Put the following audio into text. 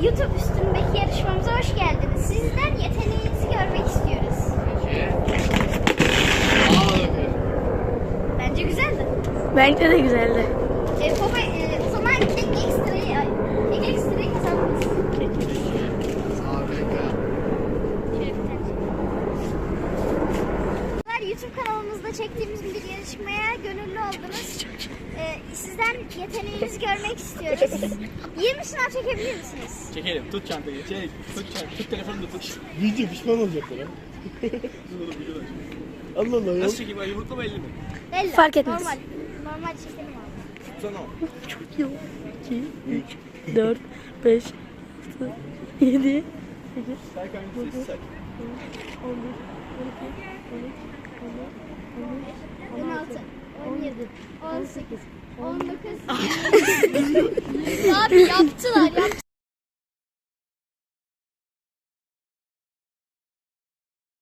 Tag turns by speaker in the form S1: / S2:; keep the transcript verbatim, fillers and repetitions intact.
S1: YouTube üstündeki yarışmamıza hoş geldiniz. Sizden yeteneğinizi görmek istiyoruz. Bence güzeldi.
S2: Bence de güzeldi.
S1: E, baba, e, o zaman tek ekstrayı, ay, tek ekstrayı kazandınız. YouTube kanalımızda çektiğimiz bir yarışmaya gönüllü oldunuz. E, sizden yeteneğinizi görmek istiyoruz. yirmi sınav çekebilir misiniz?
S3: Çekelim. Tut çantayı. Çek. Tut çantayı. Tut telefonu da tut.
S4: Video pişman olacaklar ha. Allah Allah ya.
S3: Nasıl çekeyim? Ay, yumrukla mı elli mi?
S1: Belli.
S2: Fark etmez.
S1: Normal. Normal çekelim abi.
S3: Tutsana o.
S2: Çok iyi. iki, üç, dört, beş, altı, yedi, sekiz,
S3: Serkan sessiz say.
S2: on bir, on iki, on üç, on dört, on beş,
S1: on altı, on yedi, on sekiz, on dokuz. Abi yaptı.